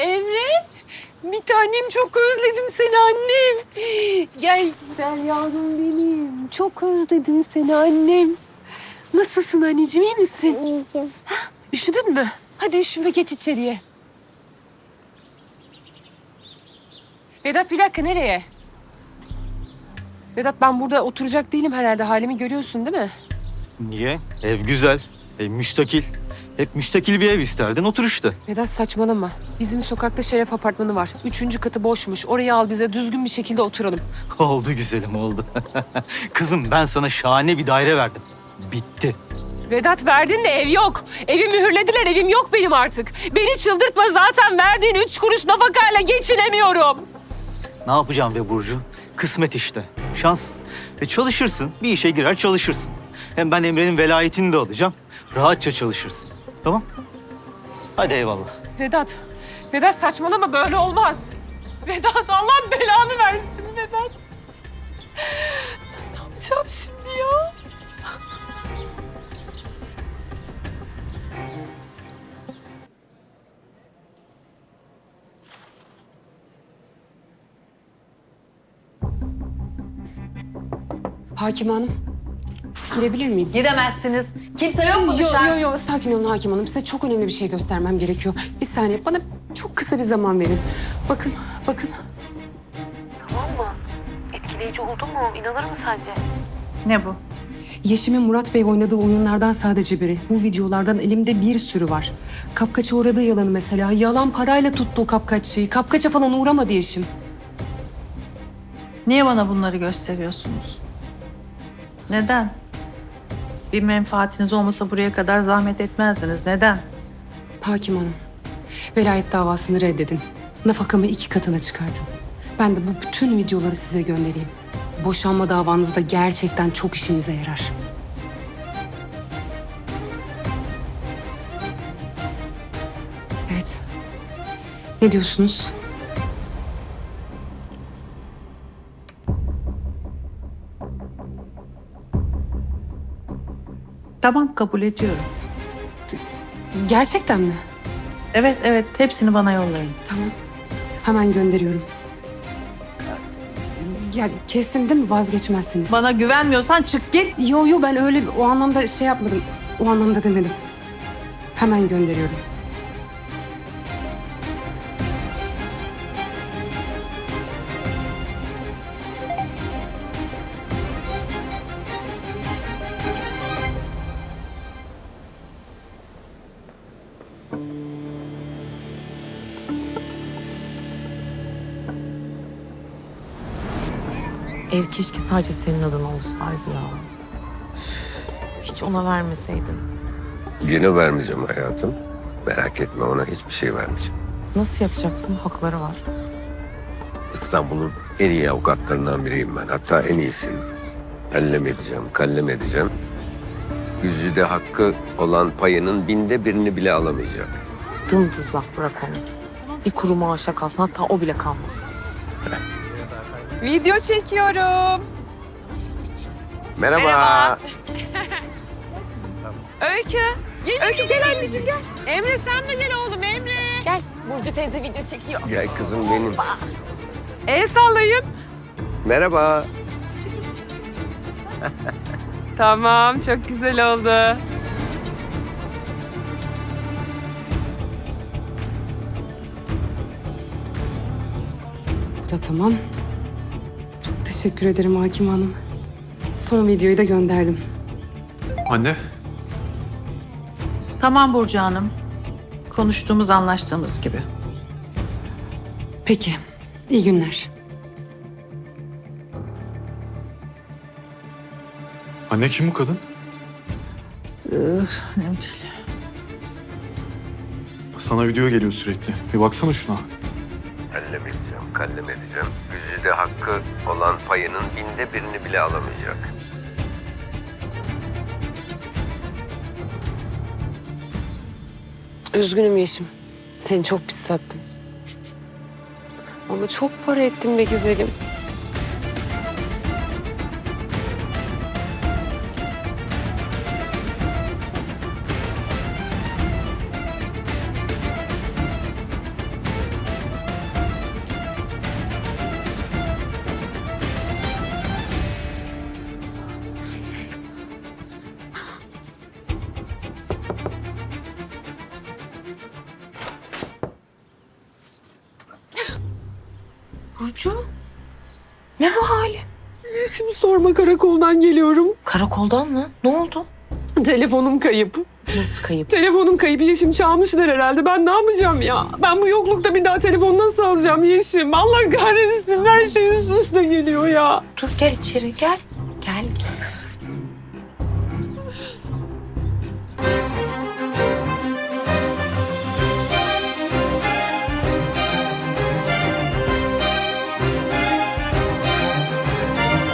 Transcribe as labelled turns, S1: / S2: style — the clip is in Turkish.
S1: Emre, bir tanem çok özledim seni annem. Gel güzel yavrum benim. Çok özledim seni annem. Nasılsın anneciğim, iyi misin?
S2: İyiyim.
S1: Üşüdün mü? Hadi üşüme, geç içeriye. Vedat bir dakika, nereye? Vedat ben burada oturacak değilim herhalde. Halimi görüyorsun değil mi?
S3: Niye? Ev güzel, ev müstakil. Hep müstakil bir ev isterdin, otur işte.
S1: Vedat saçmalama. Bizim sokakta Şeref apartmanı var. 3. katı boşmuş. Orayı al, bize düzgün bir şekilde oturalım.
S3: Oldu güzelim, oldu. Kızım ben sana şahane bir daire verdim. Bitti.
S1: Vedat verdin de ev yok. Evi mühürlediler, evim yok benim artık. Beni çıldırtma, zaten verdiğin 3 kuruş nafakayla geçinemiyorum.
S3: Ne yapacağım be Burcu? Kısmet işte, şans. Çalışırsın, bir işe girer çalışırsın. Hem ben Emre'nin velayetini de alacağım. Rahatça çalışırsın. Tamam? Hadi eyvallah.
S1: Vedat saçmalama, böyle olmaz. Vedat, Allah belanı versin Vedat. Ne yapacağım şimdi ya? Hakim Hanım, girebilir miyim?
S4: Giremezsiniz. Kimse yok mu dışarı?
S1: Yo, sakin olun Hakim Hanım. Size çok önemli bir şey göstermem gerekiyor. Bir saniye, bana çok kısa bir zaman verin. Bakın. Tamam mı? Etkileyici oldu mu? İnanır mı sence?
S4: Ne bu?
S1: Yeşim'in Murat Bey oynadığı oyunlardan sadece biri. Bu videolardan elimde bir sürü var. Kapkaça uğradığı yalanı mesela. Yalan parayla tuttu o kapkaççıyı. Kapkaça falan uğramadı Yeşim.
S4: Niye bana bunları gösteriyorsunuz? Neden? Bir menfaatiniz olmasa buraya kadar zahmet etmezdiniz. Neden?
S1: Hakim Hanım, velayet davasını reddedin. Nafakamı 2 katına çıkartın. Ben de bu bütün videoları size göndereyim. Boşanma davanızda gerçekten çok işinize yarar. Evet. Ne diyorsunuz?
S4: Tamam, kabul ediyorum.
S1: Gerçekten mi?
S4: Evet, hepsini bana yollayın.
S1: Tamam. Hemen gönderiyorum. Ya kesin değil mi, vazgeçmezsiniz?
S4: Bana güvenmiyorsan çık git.
S1: Yo ben öyle o anlamda şey yapmadım. O anlamda demedim. Hemen gönderiyorum.
S5: Ev keşke sadece senin adına olsaydı ya. Hiç ona vermeseydin.
S6: Yine vermeyeceğim hayatım. Merak etme, ona hiçbir şey vermeyeceğim.
S5: Nasıl yapacaksın? Hakları var.
S6: İstanbul'un en iyi avukatlarından biriyim ben. Hatta en iyisiyim. Kallem edeceğim, kallem edeceğim. Güzide hakkı olan payının 1/1000'ini bile alamayacak.
S5: Dımdızlak bırak onu. Bir kuru maaşa kalsın, hatta o bile kalmasın.
S1: Video çekiyorum.
S6: Merhaba.
S1: Öykü. Öykü gel anneciğim gel. Emre sen de gel oğlum Emre.
S5: Gel, Burcu teyze video çekiyor.
S6: Gel kızım benim.
S1: El sallayın.
S6: Merhaba.
S1: Tamam, çok güzel oldu. Bu da tamam. Çok teşekkür ederim Hakim Hanım. Son videoyu da gönderdim.
S7: Anne,
S4: Tamam Burcu Hanım. Konuştuğumuz, anlaştığımız gibi.
S1: Peki, iyi günler.
S7: anne kim bu kadın?
S4: Önemli değil.
S7: Sana video geliyor sürekli. Bir baksana şuna.
S6: Kallem edeceğim, kallem edeceğim. Güzide hakkı olan payının 1/1000'ini bile alamayacak.
S1: Üzgünüm Yeşim. Seni çok pis sattım. Ama çok para ettim be güzelim.
S5: Burcu, ne bu hali?
S1: Şimdi sorma, karakoldan geliyorum.
S5: Karakoldan mı? Ne oldu?
S1: Telefonum kayıp.
S5: Nasıl kayıp?
S1: Telefonum kayıp Yeşim, çalmışlar herhalde. Ben ne yapacağım ya? Ben bu yoklukta bir daha telefon nasıl alacağım Yeşim? Allah kahretsin, her şey üst üste geliyor ya.
S5: Dur gel içeri gel. Gel